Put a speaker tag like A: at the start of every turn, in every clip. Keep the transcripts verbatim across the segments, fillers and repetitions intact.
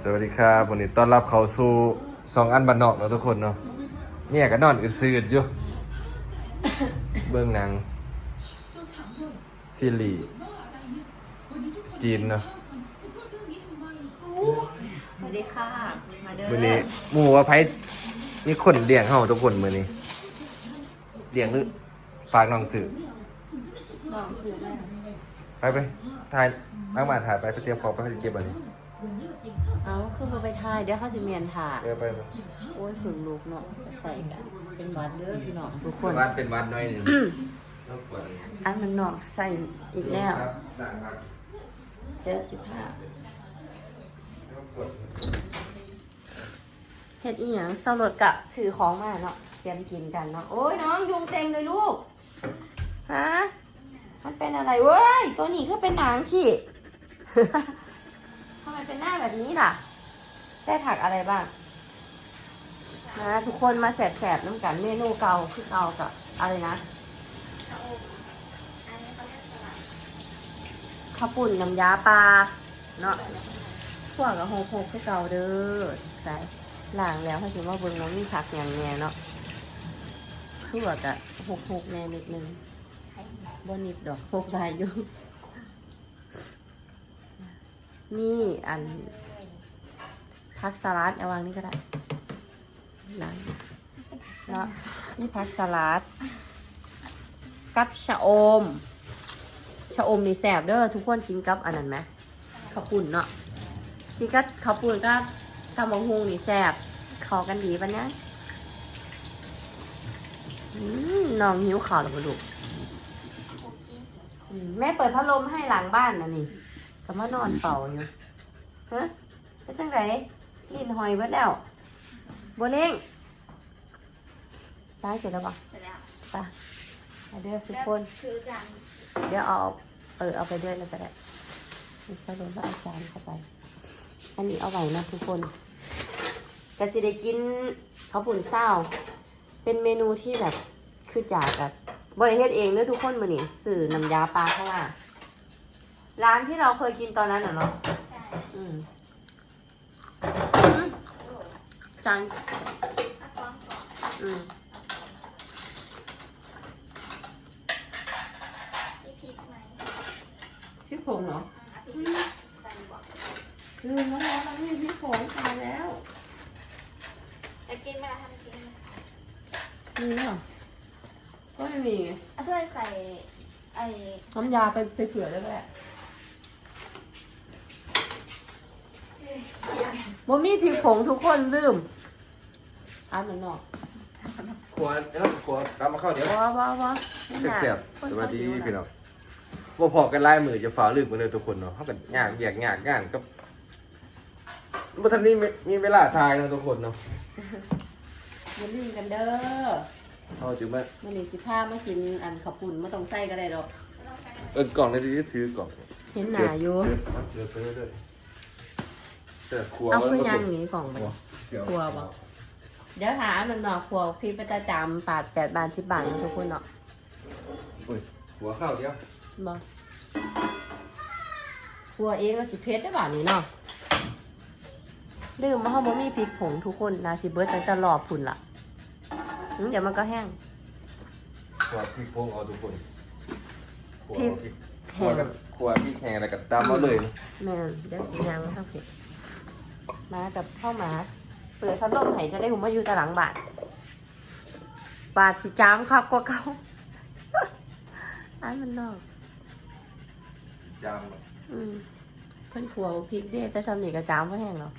A: วัสดีครับวันนี้ต้อนรับเขาสู่สองอันบันนอกเนาะทุกคนเนาะเนี่ยก็นอนอึดซื้ออยู่เบื้องหนังซีรีส์จีนเนาะ
B: สวัสดีค่ะมาเด้อ
A: มื้อนี้หมู่ว่าไผมีคนเลี้ยงเฮาทุกคนมื้อนี้เลี้ยงคือฝากน้องซื้อ
B: ลองซื้อได้
A: ไปไปถ่ายนั่งมาถ่ายไปไปเตรียมของไปเขาจะเก็บอันนี้
B: เอาขึ้นมาไปทายเดี๋ยวเขาสิเมียนถ่า
A: เออไปไป
B: โอ้ยฝึกลูกเนาะใส่กันเป็นวัดเด้อพี่น้องทุกคน
A: วัดเป็นวัดน้อยหนึงต้องเปิด
B: อันมันเนาะใส่อีกแล้ว
A: ครับสั่งครับ
B: เดี๋ยวสิบห้า
A: ต้องเปิด
B: เฮ็ดอีหยังเศร้ารถกะถือของมาเนาะเตรียมกินกันเนาะโอ้ยน้องยุงเต็มเลยลูกฮะมันเป็นอะไรเว้ยตัวนี้ก็เป็นหนังฉีด ทำไมเป็นหน้าแบบนี้ล่ะ ได้ผักอะไรบ้างนะทุกคนมาแสบๆน้ำกันเมนูเก่าคือเก่ากับอะไรนะข้าวปุ่นน้ำยาปลาเนาะพวกกับโฮโฮคือเก่าเด้อใส่ล้างแล้วถ้าถือว่าเบิ่งน้องมีผักอย่างแน่เนาะคือว่ากับหกหกแน่นิดนึงบนิดดอกหกลายอยู่ นี่อันพักสลัดเอาวางนี่ก็ได้นะเนาะนี่พักสลัดกับชะอมชะอมนี่แสบเด้อทุกคนกินกับอันนั้นไหมข้าวปุ่นเนาะกินกับข้าวปุ่นกับตำบักหุ่งนี่แสบเข้ากันดีปะเนี่ยอืมน้องหิวข้าวแล้วบ่ลูกอืมแม่เปิดพัดลมให้หลังบ้านนะนี่ก็มานอนเป่าอยู่ฮะเป็นจังไรลิ้นหอยเบิดแล้วบัวเล้งได้เสร็จแล้วปะ
C: เสร็จแล้ว
B: ไปมาเด้อทุกคน
C: คือจัง
B: เดี๋ยวเอาเออเอาไปด้วยแล้วก็ได้มีสรุปว่าเอาจารย์เข้าไป อันนี้เอาไว้นะทุกคนก็จะได้กินข้าวปุ่นเศร้า เป็นเมนูที่แบบคือจากแบบบริเฮ็ดเองเด้อทุกคนมื้อนี้สื่อน้ำยาปลาเข้ามาร้านที่เราเคยกินตอนนั้นเหรอเนาะ
C: ใช่
B: อืมอืมจาน
C: ถ้าซ้อมก่อน
B: อืม
C: มีพริกไหม
B: พี่ผงเหรอ
C: อ่ะพริกใส่ก่อน
B: คือน้องๆมันไม่มีพี่ผงตายแล้ว
C: จะกินไหมล่ะทำกินไหม
B: มีเหรอก็ไม่มีไง
C: อ่ะช่วยใส่ไอ้
B: น้ำยาไปไปเผื่อได้ไหมบ่มีพี่ผงทุกคนลืมอันนั้นเนาะ
A: ขวดเดี๋ยวขวดกลับมาเข้าเดี๋ยว
B: ว้าวว้าวว้าว
A: เสียบๆสวัสดีพี่น้องว่าพอกันไล่มือจะฝ่าลืมกันเลยทุกคนเนาะเขากันยากแยกยากงานก็บัทันนี้มีเวลาทายนะทุกคนเนาะ
B: มาลืมกันเด้อ
A: เอาจุ๊บมา
B: มันนี่สิพามากินอันขับปุ่นไม่ต้องใส่ก็ได้หรอก
A: เออกล่องในที่ถือกล่อง
B: เห็นหนาอยู่
A: เดือดไปเรื่อยๆแต่ครัว
B: เอาคือยังหนีกล่องมัน
A: เดี๋ยว
B: ครัวบอกเดี๋ยวหาอันนั้นเนาะครัวพี่ประจำปาดแปดบาทสิบบาทนะทุกคนเนาะ
A: อุ้ยหัวข้าวเดียว
B: บอกครัวเองก็สิเพชรได้บาทนี้เนาะลืมว่าเขาบ่มีพริกผงทุกคนนะสิเบิร์ตตั้งแต่รอบพุ่นละอืมเดี๋ยวมันก็แห้ง
A: ขวดพริกพงเอาทุกคนขวด
B: พริก
A: พริกข
B: แห้
A: วด
B: ง
A: กับขวดพริกแห้งอะไรกับตามมาเลย
B: แม่นเดี๋ยวสียางมาทำเผ็ดมากับข้าวหมาเปิดพัดลมให้จะได้หุ่มมาอยู่แต่หลังบาทบาทจิจามครับกว่าเก่า อันมันนอก
A: ยาม
B: อืมเพิ่นขัวพริกเด้แต่ชำนี่กระจามก็แห้งแล้ว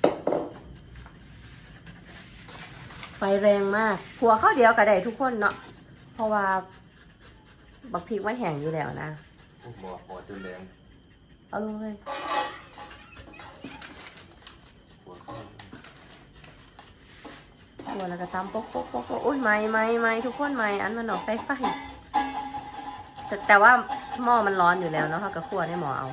B: ไฟแรงมากขัวข้าวเดียวก็ได้ทุกคนเนาะเพราะว่าบักพริกมันแห้งอยู่แล้วนะ
A: หมอหมอจนแรง
B: เอาลงเลย
A: หัวข้าว
B: ขัวแล้วก็ตำปกปกปกปกโอ้ยไม่ไม่ไม่ทุกคนไม่อันมันออกไฟไฟแต่แต่ว่าหม้อมันร้อนอยู่แล้วเนาะเขาก็ขัวในหม้อเอา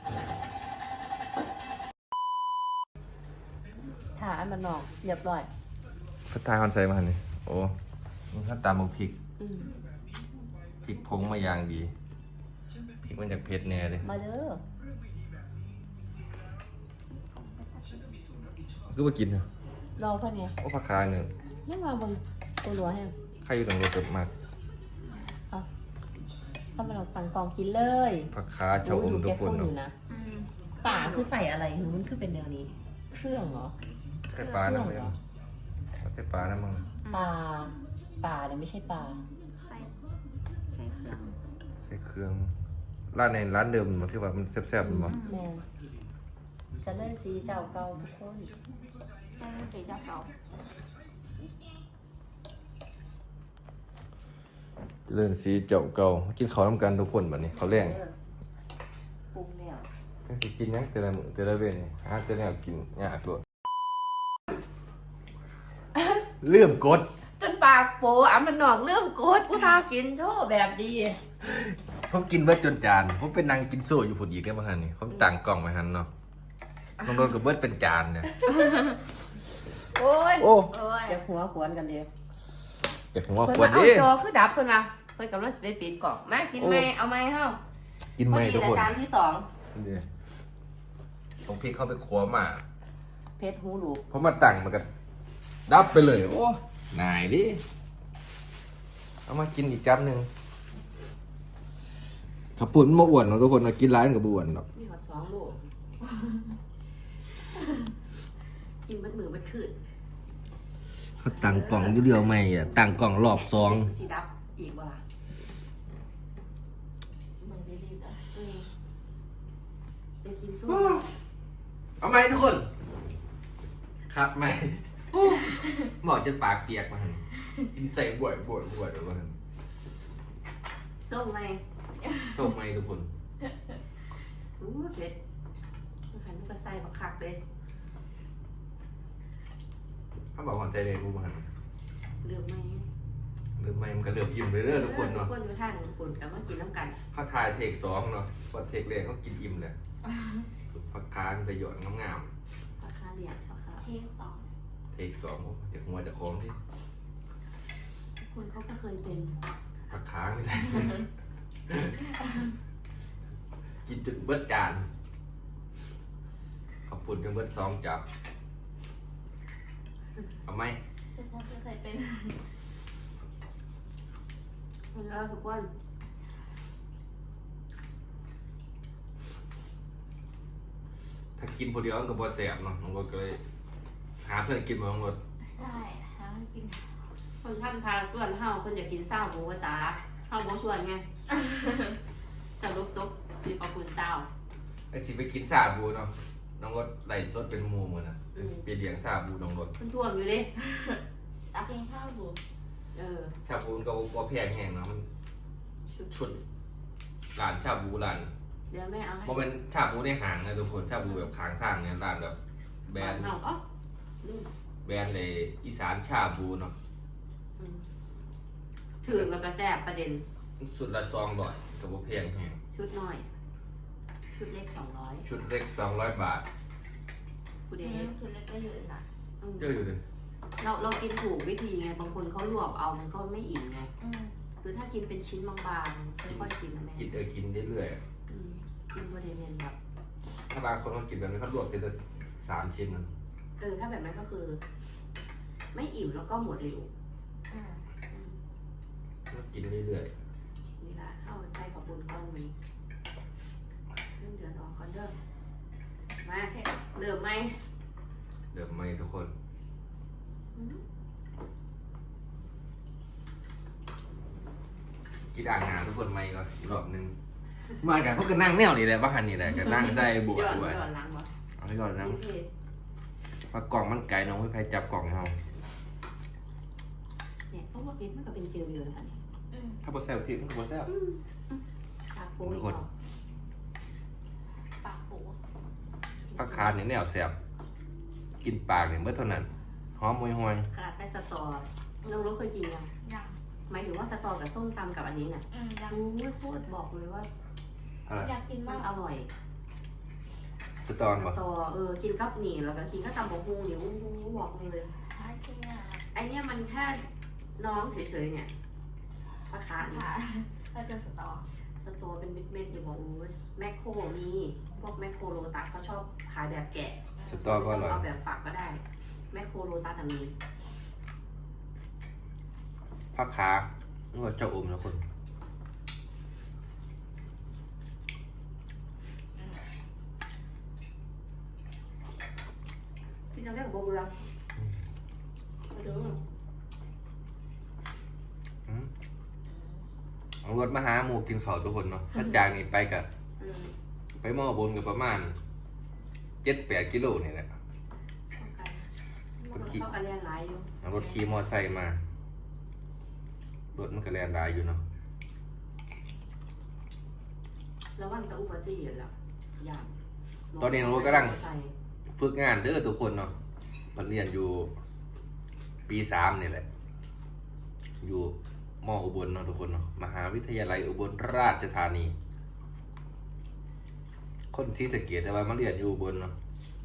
B: ถ้าอันมันออกเรียบร้อย
A: พัดทายคอนไซมาหันนี่โอ้มันถ้าตามพริก
B: อืม
A: พริกพงมาอย่างดีพริกมันจากเผ็ดแน่เลย
B: มาเด้อ
A: คือว่ากินเนาะ
B: รอเพื่อนเนี่ย
A: โอ้ผักคาเนี่ย
B: ยังมาเบนตัวรัวแห้ง
A: ใครอยู่หลังรถเกิดมาก
B: เอาเข้ามาเราสั่งกล่องกินเลย
A: ผักคาชะอมทุกคน
B: อ
A: เนาะ
B: ยู่นะ
C: อืม
B: ป่าคือใส่อะไรหรือมันคือเป็นแนวนี้ เครื่องเหรอ
A: ใส่ปลานะมึงใส่ปลานะมึง
B: ปลาปลาเนี่ยไม่ใช่ปลา
C: ใส่ใส่เครื่อง
A: ใส่เครื่องร้านในร้านเดิมมันที่ว่ามันแซ่บๆมันบ่
B: แมนจะเล่นสีเจ้าเก่าทุกคน
C: ใส่สีเจ้าเก่า
A: เจริญสีเจ้าเก่ากินข้าวน้ำกันทุกคนบัดนี้เขาวแรง
B: ปรุงแล้ว
A: จังสิกินหยังแต่ละมื้อแต่ละเว้นนี่หาแต่แนวกินยากโลดเลื่อมกด
B: จนปากโปอ่ะมันหนอกเริ่มโกดกูทากินโชว์แบบดี
A: ผมกินเบิดจนจานผมเป็นนางกินโซ่อยู่พุ่นอีกได้บ่หั่นนี่ผมตั้งกล่องไว้หั่นเนาะน้องโดนก็เบิดเป็นจานเนี่ย
B: โอ้ย
A: โอ้
C: โอ้ย
B: เดี๋ยวหัวขวนกันเดียว
A: อยากหัว
B: เพิ่น
A: ควร
B: มาเอา
A: ดิ
B: จอคือดับเพิ่นมาเพิ่นกำลังสิไปปิดกล่องมากินไหมเอาไหมเฮ้า
A: กินไหมทุกคน
B: จานที่สอง
A: นี่ผมพริกเข้าไปขัวมา
B: เพชรหูลูก
A: เพราะมาตั้งมันก็ดับไปเลย โอ้นายดิเอามากินอีกจับหนึ่งขับปุ่นมาอ้วนเนาะทุกคนนะกินร้านกับอ้วนหรอก
B: มีหอดสองลูกกินเบัดมือเบัดคืน
A: เขาตั้งกล่องอยู่เดียวไม่อ่ะตั้งกล่องรอบสอง
B: สีดับอีกเวลามันดีดีจ้ะเออไปกินซุป
A: เอาไหมทุกคนครับไหมหมอจะปากเปียกมาหันกินใส่บวดบวดบวดเดี๋ยวก่อน
B: ส้มไหม
A: ส่งไหมทุกคน
B: อู้เผ็ดมันขันก็ใส่บักคักเลย
A: ถ้าบอกหอนใจเลยกูมาหัน
B: เลือกไหม
A: หรือไม่มันก็เลือกยิ้มเลยเด้อทุกคนเนาะ
B: ทุกคนอยู่ท่านญี่ปุ่นกันมากินน้ำกัน
A: เขาทายเทคสองเนาะพอเทคแรกเขากินอิ่มเลยผักคานจะหยอดงาม
B: ราคาเหรียญราคา
C: เทสอง
A: ๆเทคสองจากหัวจากของที่
B: คนเขาก็เคยเป็น
A: ผักค้างไม่ได้ กินจนเบิดจานขอบคุณจนเบิดสองจับเอาไหม
C: จะพอจะใส่เป็น
B: เออทุกคน
A: ถ้ากินผู้เดียวมันก็บ่แสบเนาะมันก็เลยหาเพื่อนกินมาหมด
C: ได้หาให้กิน
B: คนทำทานส่วนเฮาคนอยากกินเศร้าหมูกระตาเฮาบ่ชวนไงแต่ลุกตุ๊กมีปลาคุณเศร้า
A: ไอ้สิไปกินซาบูเนาะน้องรถไหลสดเป็นหมูเหมือนน่ะไปเลี้ยงซาบูน้องรถ
B: มันท่วมอยู่ดิ
C: ตักเองข้าวบุ๋
B: เออ
A: ชาบูมันก็บ่แพงแห้งเนาะมันชุดร้านชาบูร้าน
B: เดี๋ยวแม่เอาให้
A: บ่เป็นชาบูในห้างนะทุกคนชาบูแบบข้างทางเนี่ยร้านแบบแบรนด์
B: เฮาอ๋อลืม
A: แบรนด์ในอีสานชาบูเนาะ
B: อืมถึงแล้วก็แซ่บประเด็น
A: สุดละสองร้อยก็บ่แพงแฮง
B: ชุดน้อย ชุดเล็กสองร้อย
A: ชุดเล็กสองร้อยบาท
B: กู
C: เด
B: เด
C: ย์คือเล็กก็เยอะนะ
B: อืม
A: เยอะอยู่เลย
B: เราเรากินถูกวิธีไง บางคนเขาลวกเอามันก็ไม่อิ่มไง
C: อืม
B: คือถ้ากินเป็นชิ้นบางๆค่อยๆกินนะแม่
A: กินเออกินเรื่อย
B: อืมกินประเด็นเนแบบ
A: ๆถ้าบางคนเขากินแบบนี้เขาลวกทีละสามชิ้นนะ
B: เออถ้าแบบนั้นก็คือ ไม่อิ่มแล้วก็หมดเร็ว
C: อืม
A: ก็กินเรื่อย
B: นี่ละเข้าใส่กับบุญก้อนมันเริ่มเดือดออกก่อนเด้อมาเริ่มไหม
A: ๆเดี๋ยวไม่ทุกคน
B: อืม
A: กินอ่างงานทุกคนไม่ก็อีกรอบหนึงมากันพวกก็นั่งแนวนี่แหละบ้านนี่แหละก็นั่งใส่บวช
B: ย้อน
A: ด้วย
B: ย้อนหลังวะ
A: เอาไปก่อนนะ
B: นี่เพจ
A: ปลากล่องมันไก่น้องไม่ใครจับกล่องเขา
B: เนี่ยเพราะว่าเพชรมันก็เป็นเจลอยู่นะคะเนี่ย
C: อืม
A: ถ้าบดแซวทีมันก็บดแซว
B: อืมอืมตาโป้ย
A: ทุกคน
B: ออก
C: ปากปู
A: ผักคานนี่แนวแสบกินปากเนี่ยเมื่อเท่านั้นหอมมวยหวย
B: ขนาดไปสตอเราเราเคยกินยัง
C: ยัง
B: หมายถึงว่าสตอกับส้มตำกับอันนี้เนี่ย
C: อืมยัง
B: รู้ไม่พูดบอกเลยว่า
A: อะไร
C: อยากกิน
B: มั
C: มาน ก
B: อร่อย
A: สตอน
B: ส
A: ปะ
B: ตอเออกินกับหนี่แล้วก็กินกับตำบกฮุงเนี่ยอู้หูบอกเลย
C: หากินอ่ะ
B: ไอเนี้ยมันแค่น้องเฉยๆเนี่ยปลาคาร์ฟ
C: ค่ะก็จะสตอ
B: สโตร์เป็นเม็ดๆอยู่บอกโอ้ยแมคโครมีพวกแมคโครโลตัสเขาชอบขายแบบแกะ
A: สตอก็อร่อย
B: เอาแบบฝักก็ได้แมคโครโลตัสอะมี
A: ผักขานี่ว่าเจ้าอมนะคน
B: พี่จะเรียกกับโบเบือมาดู
A: อืมเอารถมาหาหมูกินข้าวทุกคนเนาะถ้าจางนี่ไปกับ
B: อืม
A: ไปหม้อบนกับประมาณเจ็ดแปดกิโลนี่แหละ
B: เข้ากัน
A: คนขี่
B: เข้ากันเรียนหลายอยู่
A: เอารถขี่มอไซค์มารถมันก็แล่นได้อยู่เนาะ
B: ระวังแตะอุบัติเหตุแล้วอย่าง
A: ตอนนี้น้องรถกำลังฝึกงานเด้อทุกคนเนาะมันเรียนอยู่ปีสามนี่แหละ อยู่มออุบลเนาะทุกคนเนาะมหาวิทยาลัยอุบลราชธานี คนที่สะเกียดแต่ว่ามาเรียนอยู่อุบลเนาะ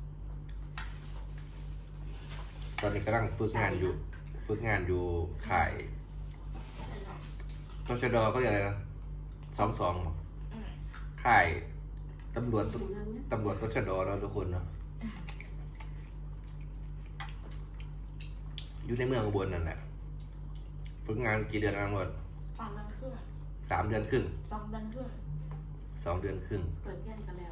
A: ตอนนี้กำลังฝึกงานอยู่ ฝึกงานอยู่ค่ายตชดเขาเรียกอะไรนะสองสองค่ายตำรวจตำรวจตชดเนาะทุกคนเนาะอยู่ในเมืองอุบลนั่นแหละฝึกงานกี่เดือนนะหมด
C: สามเดือนครึ่ง
A: สามเดือนครึ่ง
C: สองเดือนครึ่ง
A: สองเดือนครึ่ง
B: เปิดเรียนกันแล้ว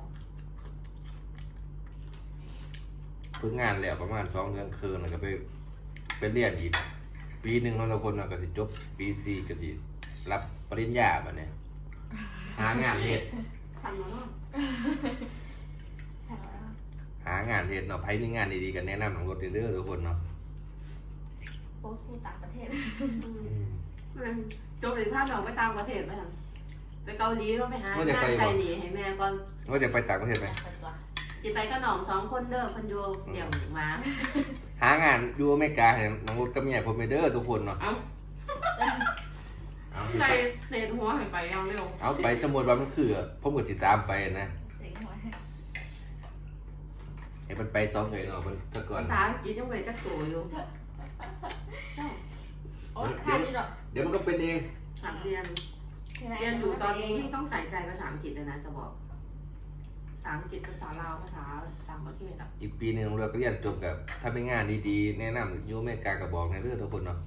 A: ฝึกงานแล้วประมาณสองเดือนครึ่งแล้วก็ไปไปเรียนอีกปีหนึ่งเราทุกคนเราก็สิจบปีสี่ก็สิรับปริญญาแบบนี้หางานเฮ็ด
B: ทันแล้วเนาะ
C: แถวแล้ว
A: หางานเฮ็ดเนาะไผมีงานดีๆกันแนะนำของรถเด้อทุกคนเนาะ
C: โค้ชทูต่างประเทศ
B: จบเลยพาน้องไปต่างประเทศไปทำไปเกาหลีต้องไปหา
A: ว่าจะ
B: งาน
A: ไป
B: ไท
A: บ่
B: ยหนีให้แม่ก่อน
A: ว่าจะไปต่างประเทศไหม
C: เป็นตัว
B: สิไปก็น้องสองคนเด้อเพันโยเดี่ยวหมา
A: หางานอยู่อเมริกาให้น้องรถกับเมียผมไปเด้อทุกคนเนาะ
B: เอ้า
A: เอา
B: ใครเตะหัวให้ไปยังเร็ว
A: เอาไปสมมุติว่ามันคือผมก็สิตามไปนะ
C: เสียงหัว
A: ให้มันไปสองเลยเนาะมันแตะก่อน
B: ภาษาอังกฤษยังไม่ได้จักตัวอยู่ใช่
C: โอ้ยค่านี่หรอ
A: เดี๋ยวมันก็เป็นเอง
B: สามเรียนเรียนอยู่ตอนนี้ที่ต้องใส่ใจภาษาอังกฤษเลยนะจะบอกภาษาอังกฤษภาษาลาวภาษาต่างประเทศอ่ะ
A: อีกปีหนึงเราก็เรียนจบกับถ้าเป็นงานดีๆแนะนำอยู่อเมริกาก็บอกในเรื่องทุกคนเนาะ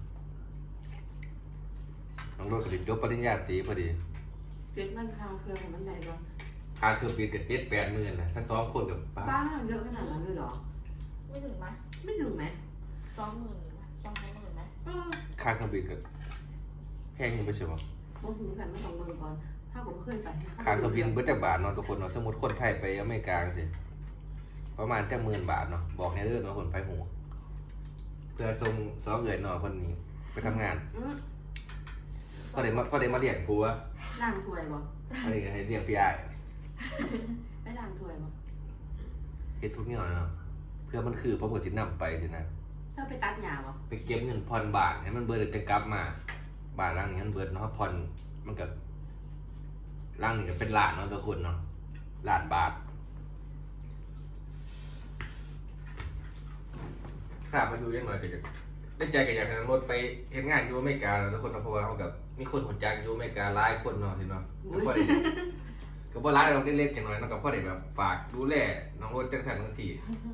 A: น้องรถก็สิจบปริญญาตรีพอดี
B: เจ็ดมันทางเครื่องมันใหญ่กว่า
A: ค่าเครื่องบินกับเจ็ดแปดหมื่นนะถ้าสองคนกับป้า
B: บ้านเยอะขนาดนั้นเลยเหรอ
C: ไม่ถึงไหม
B: ไม่ถึงไหม
C: สองหมื่นไหมสองสามหมื่นไหม
B: เออ
A: ค่าเครื่องบินกับแพงยังไม่ใช่หรอ
B: ผมถึงกันไม่ต้องเมืองก่อน ถ้าผมเคยไป
A: ค่าเครื่องบินเบิดจากบาทเนาะทุกคนเนาะสมมติคนไทยไปอเมริกาสิประมาณจะหมื่นบาทเนาะบอกในเรื่องเนาะคนไปหูเพื่อส่งสองเงินเนาะคนนี้ไปทำงาน
B: อืม
A: พอได้มาพอได้มาเลี้ยงกูวะ
B: ล้างถ้วยบ่
A: พอได้ให้เลี้ยงพี่ไอ้
B: ไปล้างถ้วยบ่
A: เฮ็ดทุกอย่างเนาะเพื่อมันคือผมก็สินำไปสินะ
B: ถ้าไปตัดหญ้าบ่
A: ไปเก็บเงินผ่อนบ้านให้มันเบิดแล้วจะกลับมาบ้านหลังนี้มันเบิดเนาะผ่อนมันก็หลังนี้ก็เป็นล้านเนาะทุกคนเนาะล้านบาททราบมาดูยังหน่อยก็จะได้ใจกับอยากให้รถไปเฮ็ดงานอยู่อเมริกาแล้วทุกคนเนาะเพราะว่าเขากับมีคนหัวจักอยู่อเมริกาหลายคนเนาะสิเนาะก็พอได้ก็บ่หลายเราได้เล็กๆน้อยๆเนาะก็พอได้แบบฝากดูแลน้องรถจังซั่นจังซี่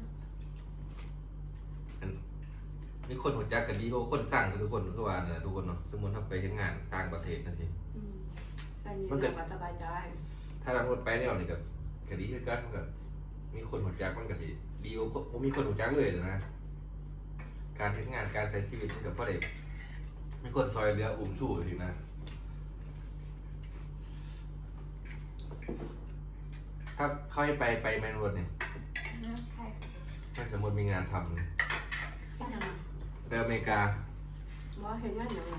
A: มีคนหัวจักกันดีกว่าคนสั่งทุกคนทุกวันนะทุกคนเนาะสมมติถ้าไปทำงานต่างประเทศนะสิ
B: อืมใส่นี่เราก็สบายใจ
A: ถ้าเราไปเนี่ยนี่กับคดีคือกันมันกับมีคนหัวจักมันก็สิดีกว่าบ่มีคนหัวจักเลยนะการทำงานการใช้ชีวิตมันกับพ่อเด็กมีคนซอยเรืออุ้มชู้ทีนะถ้าเขาให้ไปไปแมนวดเนี่ย
C: ใช่
A: ถ้าสมมติมีงานทำ
B: ที่ยัง
A: ไปอเมริกา
B: ว่าเห็นงานยังไง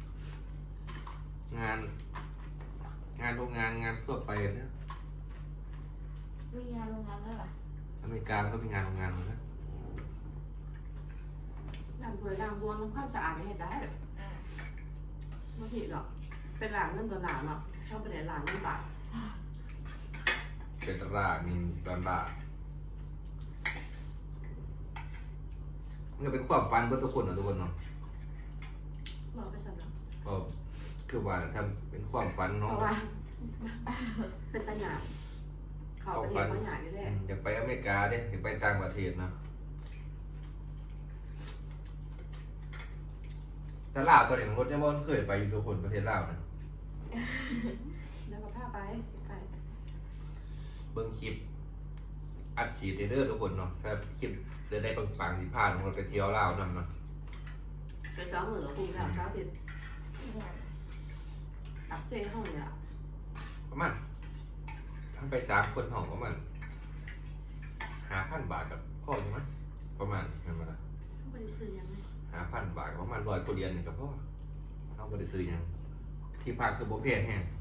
A: งาน งานโรงงานงานทั่วไปเนี่ย
C: มีงานโรงงานด้วยเหรอ
A: อเมริกามันก็มีงานโรงงานเหมือนกัน
B: ล้างถ้วยล้างบวนทำความสะอาดไม่ให้ได้
C: อ่า
B: ไม่ผิดหรอกเป็นหลานเงินตัวหลานหรอกชอบไปไหนหลานเงินบาท
A: เป็นตลาดมีตลาดมันก็เป็นความฝันเพื่อทุกคนนะทุกคนเนาะ
B: บอกไปสำหรับ
A: ก็คือว่าถ้าเป็นความฝัน
B: เพ
A: เนาะ
B: ราะว่าเป็นตะหยาดเขาประเทศเขาหยาดอยู่แล้ว
A: อยากไปอเมริกาเด้อยากไปต่างประเทศเนาะแต่ลาวตัวนี้มันรถยังบ่เคยไปอยู่ทุกคนประเทศลาวนะ
B: แล้วก็พาไปไกล
A: เบิ่งคลิปอัดฉีดเด้อทุกคนเนาะถ้าคลิปจะได้ปังๆสิพาทุกคนไปเที่ยวลาวนำเนาะ
B: ไปซ้อมมือกับคุณแล้วเช้าติด
C: เนี่ย
B: ตักเส้นห้องเนี่ย
A: ประมาณทั้งไปสามคนห้องประมาณห้าพันบาทกับพ่อใช่ไหมประมาณนั่นมาละ
B: เขาไม่ได้ซื้อยังไง
A: ห้าพันบาทประมาณร้อยกว่าเหรียญนี่กับพ่อเขาไม่ได้ซื้อหยังที่พักคือโบเพงแห้ง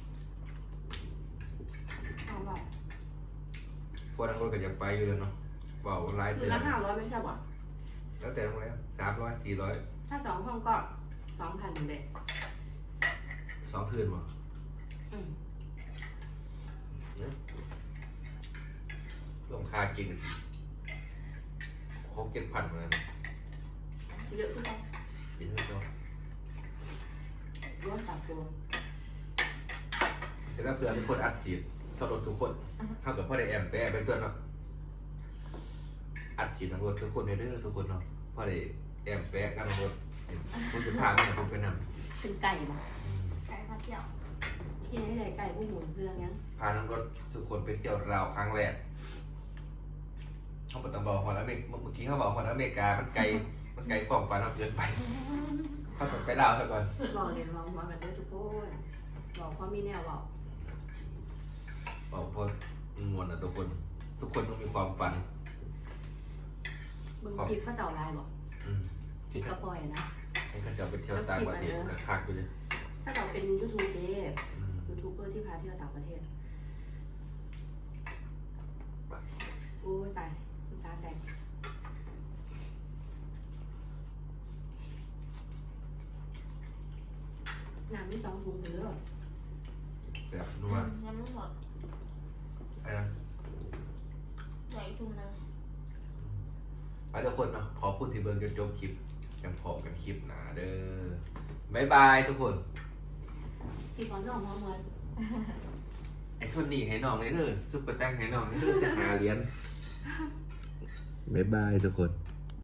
B: เอาแบบ
A: พวกนั้นรถก็ยังไปอยู่เลยเนาะเบาหลาย
B: คื
A: เดื
B: อ
A: อน
B: ละห้าร้อยไม่ใช่ป่ะ
A: แล้วแต่โรงแรมสามร้อยสี่ร้อย
B: ถ้าสองห้องก็สองพันเด็ด
A: สองคืนมั้ง
B: อืม
A: รวมค่ากินหกเจ็ดพันเหมือนกัน
B: เยอะขึ้นไป
A: กินไม่ต้อง
B: รวมตับตัว
A: แต่ถ้าเผื่อมีคนอัดฉีดสลดทุกคนเท่ากับพ่อได้แอมแปะเป็นตัวเนาะอัดฉีดทั้งรถทุกคนในเด้อทุกคนเนาะพ่อได้แอมแปะกันทั้งรถผมจะพาแม่ผมไปนำ
B: เป็นไก่ป่ะ
C: ไก่พัดเที่ยว
B: ที่ไหนได้ไก่ผู้หมุนเครื่องยัง
A: พาทั้งรถสุคนไปเที่ยวราวครั้งแรกเขาบอกต้องบอกฮอลอเมริกเมื่อกี้เขาบอกฮอลอเมริกามันไกลมันไกลความฝันเราเกินไปเขาต้องไปลาวซะก่อน
B: บอกเรียนลองมากันได้ทุกคนบอกเพราะมีแนวบอก
A: บอกเพราะมวลนะทุกคน ทุกคนต้องมีความฝัน
B: มึงคิดเขาเจ้าลายบอก
A: อืม
B: คิดกระปอยนะ
A: ให้เขาจะไปเที่ยวต่างประเทศกับคักไปเลย
B: ถ้าเราเป็นยูทูบเบอร์
A: อืม
B: ยูทูบเบอร์ที่พาเที่ยวต่างประเทศโอ้ยตายตาแตกน้ำที่สองถุงเด้อ
A: แบบนัว
C: ยังไม่หมด
A: ไอ้นะ
C: เหลืออีกถุงนึง
A: ไปทุกคนเนาะขอพูดที่เบิร์จนจบคลิปยังพอกันคลิปหนาเด้อบายบายทุกคน
B: ที่ขอน้องมาเหมือน
A: ไอ้คนนี้ให้น้องเลยเด้อซุปเปอร์แตงให้น้องเลยเด้อจะหาเหรียญบายบายทุกคน